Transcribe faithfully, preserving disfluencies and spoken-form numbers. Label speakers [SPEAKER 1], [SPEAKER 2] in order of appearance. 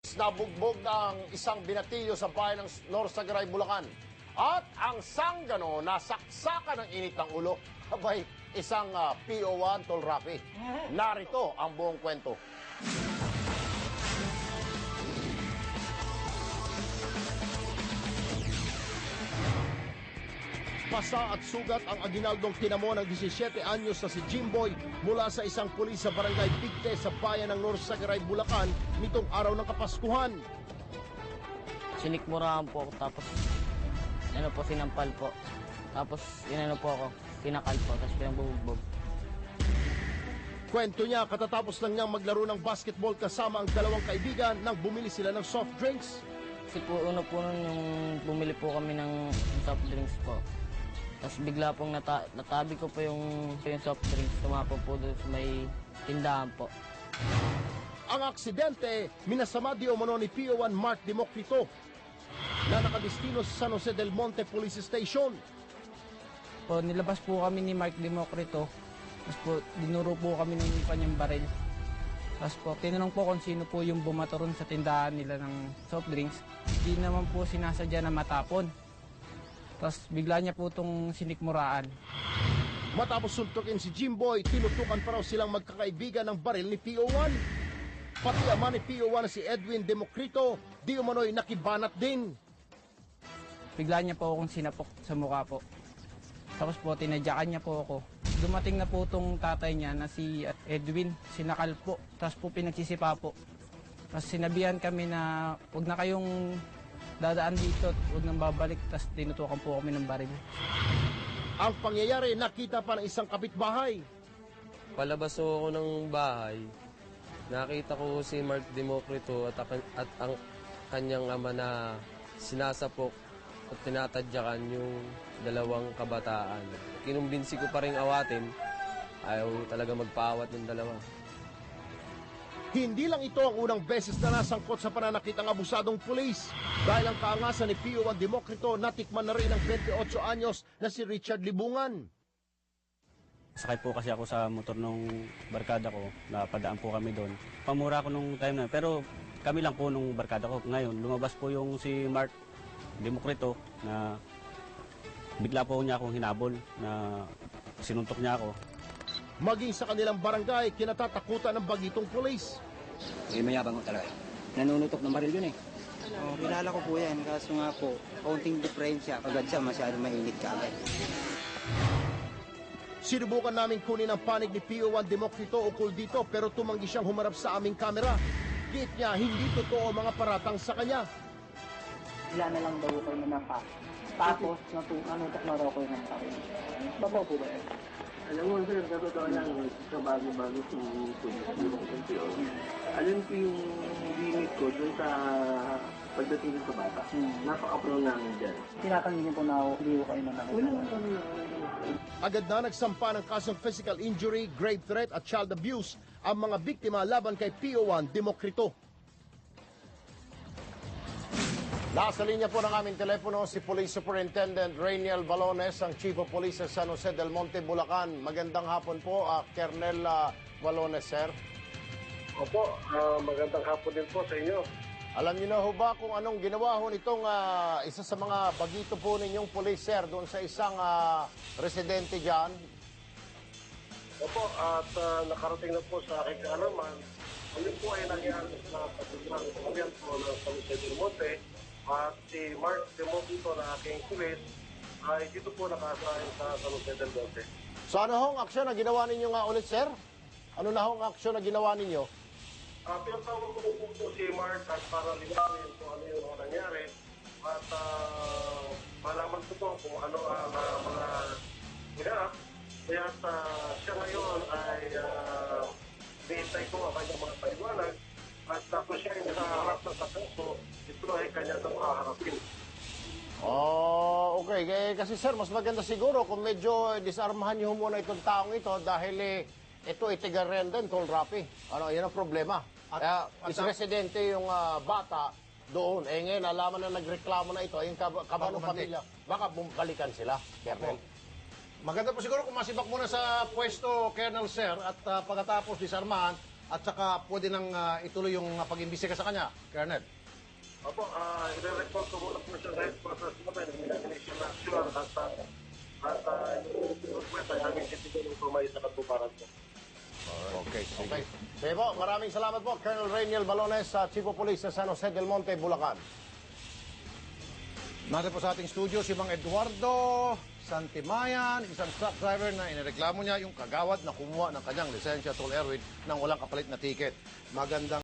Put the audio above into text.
[SPEAKER 1] Nabugbog ng isang binatilyo sa bayan ng North Sagaray, Bulacan. At ang sanggano nasaksakan ng init ng ulo. Abay, isang uh, P O one Tol Rafi. Narito ang buong kwento. Pasa at sugat ang aginaldong tinamo ng disisiete anyos na si Jimboy mula sa isang pulis sa barangay Pigte sa bayan ng North Sagaray, Bulacan nitong araw ng Kapaskuhan.
[SPEAKER 2] Sinikmurahan po ako tapos ano po, sinampal po. Tapos inano po ako, pinakal po, tapos pinagbubugbog.
[SPEAKER 1] Kwento niya, katatapos lang niyang maglaro ng basketball kasama ang dalawang kaibigan nang bumili sila ng soft drinks.
[SPEAKER 2] Kasi po, uno po nun yung bumili po kami ng soft drinks po. Tapos bigla pong nata natabi ko po yung, yung soft drinks, tumapo po doon sa may tindahan po.
[SPEAKER 1] Ang aksidente, minasama di umano ni P O one Mark Democrito na nakadestino sa San Jose del Monte Police Station.
[SPEAKER 3] Po, nilabas po kami ni Mark Democrito. Tapos po, dinuro po kami ng kanyang baril. Tapos po, tinanong po kung sino po yung bumato ron sa tindahan nila ng soft drinks. Hindi naman po sinasadya na matapon. Tapos bigla niya po itong sinikmuraan.
[SPEAKER 1] Matapos suntukin si Jimboy, tinutukan pa raw silang magkakaibigan ng baril ni P O one. Pati ama ni P O one na si Edwin Democrito, di umano'y nakibanat din.
[SPEAKER 3] Bigla niya po akong sinapok sa mukha po. Tapos po, tinadyakan niya po ako. Dumating na po itong tatay niya na si Edwin, sinakal po. Tapos po pinagsisipa po. Tapos sinabihan kami na huwag na kayong dadaan dito, huwag nang babalik. Tapos tinutukan po kami ng baril.
[SPEAKER 1] Ang pangyayari, nakita pa ng isang kapitbahay.
[SPEAKER 4] Palabas ako ng bahay, nakita ko si Mark Democrito at, at ang kanyang ama na sinasapok at tinatadyakan yung dalawang kabataan. Kinumbinsi ko pa rin awatin, ayaw talaga magpaawat ng dalawa.
[SPEAKER 1] Hindi lang ito ang unang beses na nasangkot sa pananakit ang abusadong pulis. Dahil ang kaangasan ni P O one Democrito, natikman na rin ang twenty-eight anyos na si Richard Libungan.
[SPEAKER 5] Sakay po kasi ako sa motor nung barkada ko, napadaan po kami doon. Pamura ko nung time na, pero kami lang po nung barkada ko. Ngayon, lumabas po yung si Mark Democrito na bigla po niya akong hinabol na sinuntok niya ako.
[SPEAKER 1] Maging sa kanilang barangay, kinatatakutan ng bagitong pulis.
[SPEAKER 6] Eh, mayabang ko talaga. Nanunutok ng baril yun eh.
[SPEAKER 7] Oh, kilala ko po yan, kaso nga po, kaunting diferensya, agad siya masyado mainit ka agad.
[SPEAKER 1] Sinubukan namin kunin ang panig ni P O one Democrito ukol dito pero tumanggi siyang humarap sa aming kamera. Giit niya, hindi totoo ang mga paratang sa kanya.
[SPEAKER 8] Sila na lang daw kayo na pa. Tapos, nanutok na raw kayo ng baril. Babaw po ba yan?
[SPEAKER 9] Alam mo, sir, sa totoo lang, sa bago-bago sumusunod. Alam ko yung limit ko dun sa pagdating sa bata. Hmm. Napaka-pro namin dyan.
[SPEAKER 8] Tinatanggi niyo po na hindi ko kayo na nakita.
[SPEAKER 9] Wala lang kami na.
[SPEAKER 1] Agad na nagsampa ng kasong physical injury, grave threat at child abuse ang mga biktima laban kay P O one Democrito. Nasa linya po ng aming telepono si Police Superintendent Rainiel Balones, ang Chief of Police sa San Jose del Monte, Bulacan. Magandang hapon po, uh, Colonel uh, Balones, sir.
[SPEAKER 10] Opo, uh, magandang hapon din po sa inyo.
[SPEAKER 1] Alam niyo na ho ba kung anong ginawa ho nitong uh, isa sa mga bagito po ninyong police, sir, doon sa isang uh, residente dyan?
[SPEAKER 10] Opo, at uh, nakarating na po sa aking kaalaman, ano po ay nangyari sa pagdurang pagdurang po ng San Jose del Monte. At si Mark Democrito na aking pulis ay dito po nakasahin sa San Jose del Monte.
[SPEAKER 1] So ano hong aksyon na ginawa ninyo nga ulit, sir? Ano na hong aksyon na ginawa ninyo?
[SPEAKER 10] Uh, pinatawag ko po po si Mark at para linawin kung ano yung mga nangyari. At uh, malaman ko po kung ano ang uh, mga ginap. Kaya uh, siya ngayon ay uh, niintay ko ang kanyang mga paliwanag. At tapos siya yung nakaharap na sa kaso, ito ay kanya na makaharapin.
[SPEAKER 1] Oh, okay. Eh, kasi sir, mas maganda siguro kung medyo disarmahan niyo muna itong taong ito dahil eh, ito itigar rin din, Tol Rafi. Ano, yan ang problema. At, Kaya, is residente yung uh, bata doon. Eh ngayon, alaman na nagreklamo na ito, yung kab kabano pamilya, baka balikan sila, Colonel.
[SPEAKER 11] Maganda po siguro kung masibak muna sa pwesto, Colonel Sir, at uh, pagkatapos disarmahan,
[SPEAKER 1] at saka pwede nang ah, ituloy yung ah, pag-imbisiga sa kanya, Colonel.
[SPEAKER 10] Opo, uh, i-report ko muna po siya sa headquarters namin, Indonesian National, at uh, at uh, yung request ay aming titigan kung may sa katuparan po.
[SPEAKER 1] Okay, sige. Sige po, maraming salamat po, Colonel Rainiel Balones, sa Chief of Police sa San Jose del Monte, Bulacan. Natin po sa ating studio si Mang Eduardo Santimayan, isang truck driver na inireklamo niya yung kagawad na kumuha ng kanyang lisensya toll Erwin nang walang kapalit na ticket. Magandang